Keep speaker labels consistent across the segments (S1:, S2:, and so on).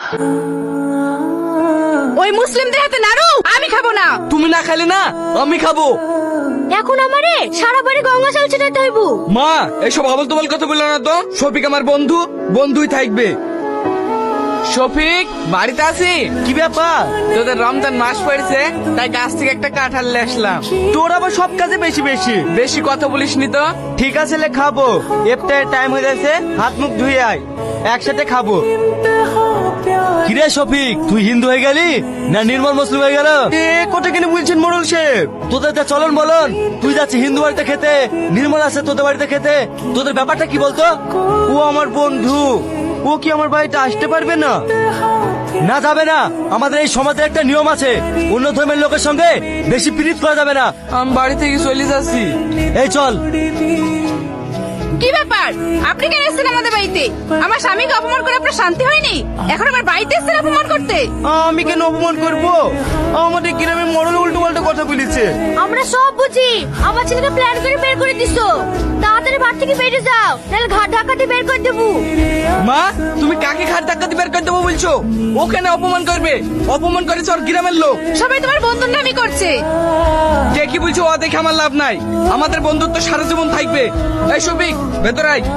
S1: ওই মুসলিমদের হাতে নাড়ু আমি খাবো না।
S2: তুমি না খাইলে না আমি খাবো।
S3: এখন আমারে সারা বাড়ি গঙ্গা জল ছিটাতে হইব।
S2: মা এসব আবল তবল কথা বললো না তো। শফিক আমার বন্ধু, বন্ধুই থাকবে। শফিক বাড়িতে আছি। কি ব্যাপার? তোদের রমজান মাস পড়েছে তাই গাছ থেকে একটা কাঁঠাল নিয়ে আসলাম। তোর আবার সব কাজে বেশি বেশি বেশি কথা বলিস নি তো। ঠিক আছে লে খাবো, ইফতারের টাইম হয়ে গেছে, হাত মুখ ধুয়ে আয়, একসাথে খাবো।
S4: কিরে শফিক, তুই হিন্দু হয়ে গেলি না নির্মল মুসলিম হয়ে গেল?
S2: এ কথা কেন বলছেন মোড়ল সাহেব?
S4: তোদের যা চলন বলন, তুই যাচ্ছি হিন্দু বাড়িতে খেতে, নির্মল আছে তোদের বাড়িতে খেতে, তোদের ব্যাপারটা কি বলতো?
S2: ও আমার বন্ধু, ও কি আমার বাড়িতে আসতে পারবে না?
S4: না যাবে না, আমাদের এই সমাজের একটা নিয়ম আছে, অন্য ধর্মের লোকের সঙ্গে বেশি প্রীত করা যাবে না।
S2: আমি বাড়ি থেকে চলে যাচ্ছি।
S4: এই চল।
S1: কি ব্যাপার, আপনি কেন এসেছেন আমাদের বাড়িতে? আমার স্বামীকে অপমান করে আপনার শান্তি হয়নি, এখন আমার বাড়িতে এসেছেন অপমান করতে?
S2: আমি কেন অপমান করব? আমাদের গ্রামে মোড়ল উল্টো পাল্টা কথা বলেছে।
S3: আমরা সব বুঝি, আমার ছেলেকে প্ল্যান করে বের করে দিছো। তাড়াতাড়ি বাড়ি থেকে বেরিয়ে যাও, নাহলে ঘাট ধাক্কাতে বের করে দেবো।
S2: মা তুমি কাকে ঘাট ধাক্কা দিয়ে বের করে দেবো বলছো? ওখানে অপমান করবে, অপমান করেছে ওর গ্রামের লোক।
S1: সবাই তোমার বন্ধুর নামই করছে।
S2: কে কি বলছো ও দেখে আমার লাভ নাই, আমাদের বন্ধুত্ব সারা জীবন থাকবে। এই শফিক ভেতরে আয়।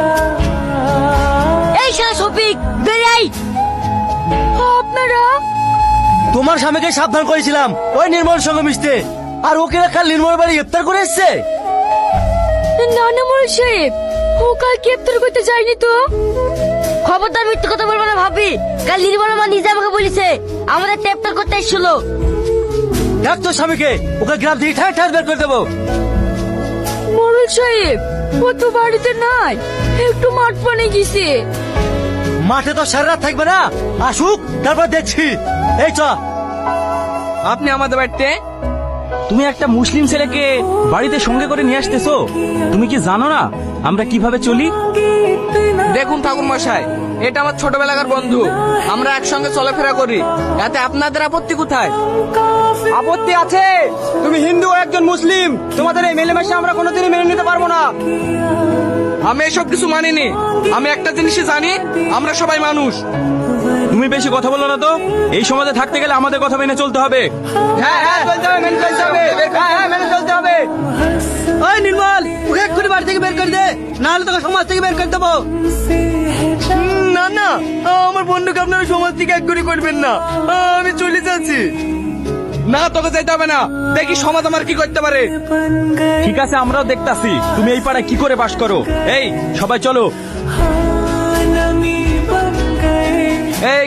S3: এই শালা শফিক বেরিয়ে আই। আপনারা
S4: তোমার স্বামীকে সাবধান করেছিলাম ওই নির্মল সঙ্গে মিশতে, আর ওকে কাল নির্মল বাড়ি ইফতার করে এসছে।
S3: নানা মোড়ল সাহেব, ও কাল গ্রেপ্তার করতে যায়নি তো? খবরদার মিথ্যে কথা বলবো না ভাবি। কাল নির্মল মা নিজে আমাকে বলেছে আমাদের গ্রেপ্তার করতে এসেছিল।
S4: দেখ তোর স্বামীকে, ওকে গ্রাম থেকে ঠায় ঠায় বের করে দেবো।
S3: মোড়ল সাহেব ও তো বাড়িতে নাই, একটু মাঠ পানে গেছে।
S4: মাঠে তো সারা রাত থাকবে না, আসুক তারপর দেখছি। এই চ।
S2: আপনি আমাদের বাড়িতে? তুমি একটা মুসলিম ছেলেকে বাড়িতে সঙ্গে করে নিয়ে আসতেছো, তুমি কি জানো না আমরা কিভাবে চলি? দেখুন ঠাকুর মশাই, এটা আমার ছোটবেলাকার বন্ধু, আমরা একসঙ্গে চলাফেরা করি, এতে আপনাদের আপত্তি কোথায়? আপত্তি আছে, তুমি হিন্দু ও একজন মুসলিম, তোমাদের এই মেলামেশা আমরা কোনোদিনই মেনে নিতে পারবো না। আমি এসব কিছু মানিনি, আমি একটা জিনিসই জানি, আমরা সবাই মানুষ। তুমি বেশি কথা বলো না তো, এই সমাজে থাকতে গেলে আমাদের কথা মেনে চলতে হবে। হ্যাঁ হ্যাঁ চলতে হবে, মেনে চলতে হবে। হ্যাঁ হ্যাঁ মেনে চলতে হবে।
S4: ওই নির্মল, ওকে এক্ষুনি বাড়ি থেকে বের করে দে, না হলে তোকে সমাজ থেকে বের করে দেবো।
S2: না না, আমার বন্ধুকে আপনারা সমাজ থেকে এক করে করবেন না, আমি চলে যাচ্ছি। না তোকে যেতে হবে না, দেখি সমাজ আমার কি করতে পারে। ঠিক আছে আমরাও দেখতাছি তুমি এই পাড়ায় কি করে বাস করো। এই সবাই চলো। এই